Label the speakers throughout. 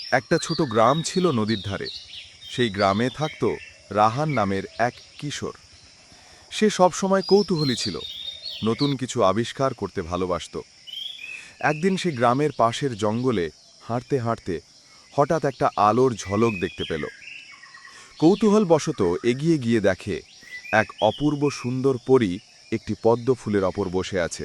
Speaker 1: একটা ছোট গ্রাম ছিল নদীর ধারে। সেই গ্রামে থাকত রাহান নামের এক কিশোর। সে সবসময় কৌতূহলী ছিল, নতুন কিছু আবিষ্কার করতে ভালোবাসত। একদিন সে গ্রামের পাশের জঙ্গলে হাঁটতে হাঁটতে হঠাৎ একটা আলোর ঝলক দেখতে পেল। কৌতূহলবশত এগিয়ে গিয়ে দেখে এক অপূর্ব সুন্দর পরী একটি পদ্ম ফুলের ওপর বসে আছে।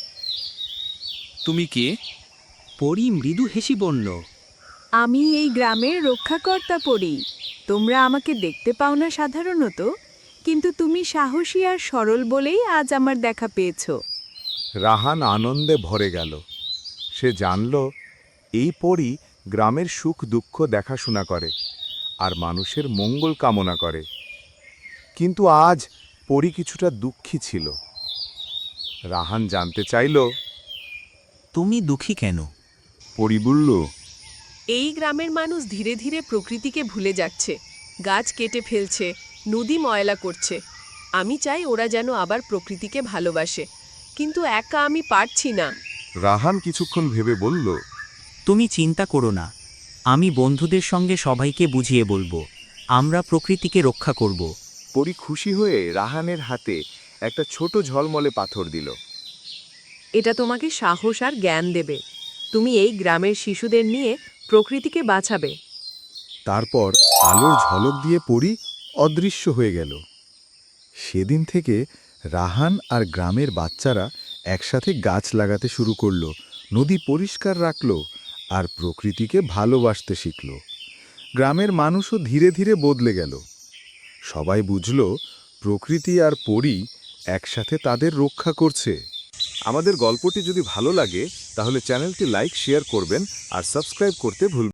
Speaker 2: তুমি কে?
Speaker 3: পরী মৃদু হেসি বলল,
Speaker 4: আমি এই গ্রামের রক্ষাকর্তা পড়ি। তোমরা আমাকে দেখতে পাও না সাধারণত, কিন্তু তুমি সাহসী আর সরল বলেই আজ আমার দেখা পেয়েছ।
Speaker 1: রাহান আনন্দে ভরে গেল। সে জানল এই পরী গ্রামের সুখ দুঃখ দেখাশোনা করে আর মানুষের মঙ্গল কামনা করে। কিন্তু আজ পরী কিছুটা দুঃখী ছিল। রাহান জানতে চাইল,
Speaker 3: তুমি দুঃখী কেন?
Speaker 1: পরী বলল,
Speaker 5: এই গ্রামের মানুষ ধীরে ধীরে প্রকৃতিকে ভুলে যাচ্ছে, গাছ কেটে ফেলছে, নদী ময়লা করছে। আমি চাই ওরা যেন আবার প্রকৃতিকে ভালোবাসে, কিন্তু একা আমি পারছি না।
Speaker 1: রাহান কিছুক্ষণ ভেবে বলল,
Speaker 3: তুমি চিন্তা করো না, আমি বন্ধুদের সঙ্গে সবাইকে বুঝিয়ে বলবো, আমরা প্রকৃতিকে রক্ষা করব।
Speaker 1: পরী খুশি হয়ে রাহানের হাতে একটা ছোট ঝলমলে পাথর দিল।
Speaker 5: এটা তোমাকে সাহস আর জ্ঞান দেবে। তুমি এই গ্রামের শিশুদের নিয়ে প্রকৃতিকে বাঁচাবে।
Speaker 1: তারপর আলোর ঝলক দিয়ে পরী অদৃশ্য হয়ে গেল। সেদিন থেকে রাহান আর গ্রামের বাচ্চারা একসাথে গাছ লাগাতে শুরু করলো, নদী পরিষ্কার রাখলো আর প্রকৃতিকে ভালোবাসতে শিখল। গ্রামের মানুষও ধীরে ধীরে বদলে গেল। সবাই বুঝল প্রকৃতি আর পরী একসাথে তাদের রক্ষা করছে। আমাদের গল্পটি যদি ভালো লাগে তাহলে চ্যানেলটি লাইক শেয়ার করবেন আর সাবস্ক্রাইব করতে ভুলবেন না।